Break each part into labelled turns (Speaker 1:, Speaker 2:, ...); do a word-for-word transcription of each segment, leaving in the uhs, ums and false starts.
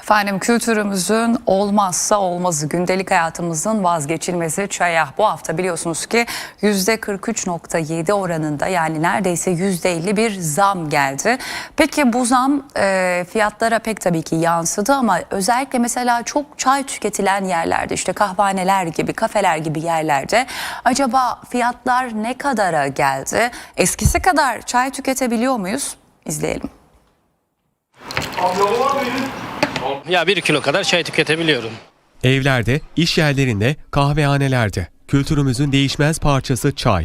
Speaker 1: Efendim kültürümüzün olmazsa olmazı, gündelik hayatımızın vazgeçilmezi çaya. Bu hafta biliyorsunuz ki yüzde kırk üç nokta yedi oranında, yani neredeyse yüzde elli bir zam geldi. Peki bu zam e, fiyatlara pek tabii ki yansıdı ama özellikle mesela çok çay tüketilen yerlerde, işte kahvaneler gibi, kafeler gibi yerlerde acaba fiyatlar ne kadara geldi? Eskisi kadar çay tüketebiliyor muyuz? İzleyelim.
Speaker 2: Ya bir kilo kadar çay tüketebiliyorum.
Speaker 3: Evlerde, iş yerlerinde, kahvehanelerde kültürümüzün değişmez parçası çay.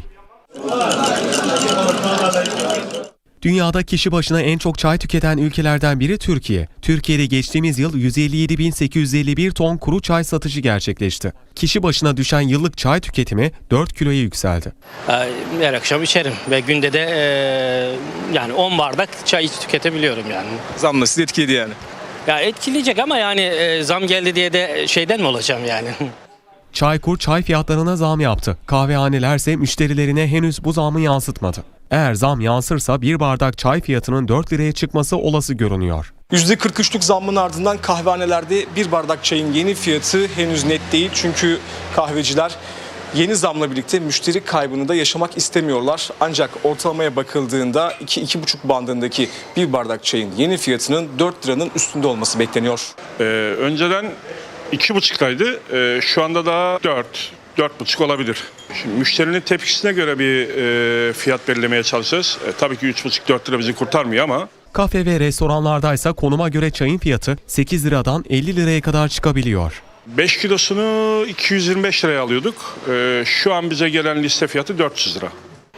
Speaker 3: Dünyada kişi başına en çok çay tüketen ülkelerden biri Türkiye. Türkiye'de geçtiğimiz yıl yüz elli yedi bin sekiz yüz elli bir ton kuru çay satışı gerçekleşti. Kişi başına düşen yıllık çay tüketimi dört kiloya yükseldi.
Speaker 2: Her akşam içerim ve günde de e, yani on bardak çay tüketebiliyorum yani.
Speaker 4: Zamla sizi etkiledi yani.
Speaker 2: Ya etkileyecek ama yani e, zam geldi diye de şeyden mi olacağım yani?
Speaker 3: Çaykur çay fiyatlarına zam yaptı. Kahvehanelerse müşterilerine henüz bu zamı yansıtmadı. Eğer zam yansırsa bir bardak çay fiyatının dört liraya çıkması olası görünüyor.
Speaker 4: yüzde kırk üçlük zammın ardından kahvehanelerde bir bardak çayın yeni fiyatı henüz net değil. Çünkü kahveciler yeni zamla birlikte müşteri kaybını da yaşamak istemiyorlar. Ancak ortalamaya bakıldığında iki iki buçuk bandındaki bir bardak çayın yeni fiyatının dört liranın üstünde olması bekleniyor.
Speaker 5: Ee, önceden iki buçuktaydı. Ee, şu anda da dört, dört buçuk olabilir. Şimdi müşterinin tepkisine göre bir e, fiyat belirlemeye çalışacağız. E, tabii ki üç buçuk dört lira bizi kurtarmıyor ama.
Speaker 3: Kafe ve restoranlardaysa konuma göre çayın fiyatı sekiz liradan elli liraya kadar çıkabiliyor.
Speaker 5: beş kilosunu iki yüz yirmi beş liraya alıyorduk. Ee, şu an bize gelen liste fiyatı dört yüz lira.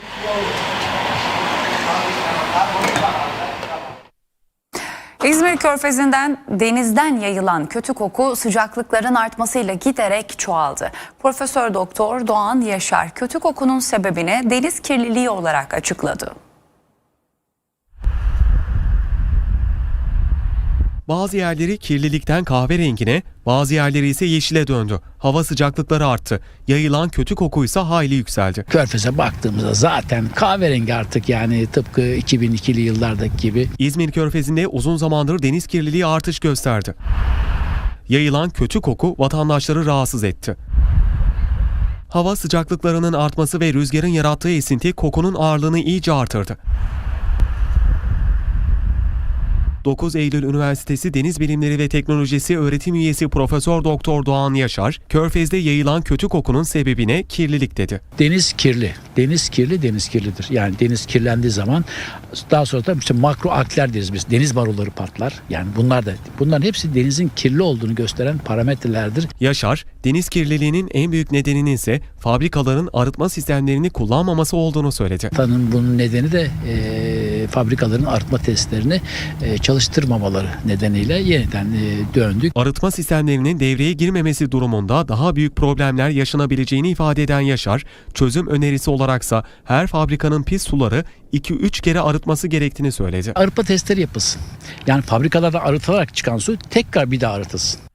Speaker 1: İzmir Körfezi'nden denizden yayılan kötü koku sıcaklıkların artmasıyla giderek çoğaldı. Profesör Doktor Doğan Yaşar kötü kokunun sebebini deniz kirliliği olarak açıkladı.
Speaker 3: Bazı yerleri kirlilikten kahverengine, bazı yerleri ise yeşile döndü. Hava sıcaklıkları arttı. Yayılan kötü kokuysa hayli yükseldi.
Speaker 6: Körfez'e baktığımızda zaten kahverengi artık, yani tıpkı iki bin ikili yıllardaki gibi.
Speaker 3: İzmir Körfezi'nde uzun zamandır deniz kirliliği artış gösterdi. Yayılan kötü koku vatandaşları rahatsız etti. Hava sıcaklıklarının artması ve rüzgarın yarattığı esinti kokunun ağırlığını iyice artırdı. dokuz Eylül Üniversitesi Deniz Bilimleri ve Teknolojisi öğretim üyesi Profesör Doktor Doğan Yaşar, Körfez'de yayılan kötü kokunun sebebine kirlilik dedi.
Speaker 6: Deniz kirli. Deniz kirli, deniz kirlidir. Yani deniz kirlendiği zaman daha sonra da işte makro algler deriz biz. Deniz marulları patlar. Yani bunlar da, bunların hepsi denizin kirli olduğunu gösteren parametrelerdir.
Speaker 3: Yaşar, deniz kirliliğinin en büyük nedeninin ise fabrikaların arıtma sistemlerini kullanmaması olduğunu söyledi.
Speaker 6: Tanın bunun nedeni de e, fabrikaların arıtma testlerini e, çalıştırmamaları nedeniyle yeniden e, döndük.
Speaker 3: Arıtma sistemlerinin devreye girmemesi durumunda daha büyük problemler yaşanabileceğini ifade eden Yaşar, çözüm önerisi olaraksa her fabrikanın pis suları iki üç kere arıtması gerektiğini söyledi.
Speaker 6: Arıtma testleri yapılsın. Yani fabrikalarda arıtılarak çıkan su tekrar bir daha arıtılsın.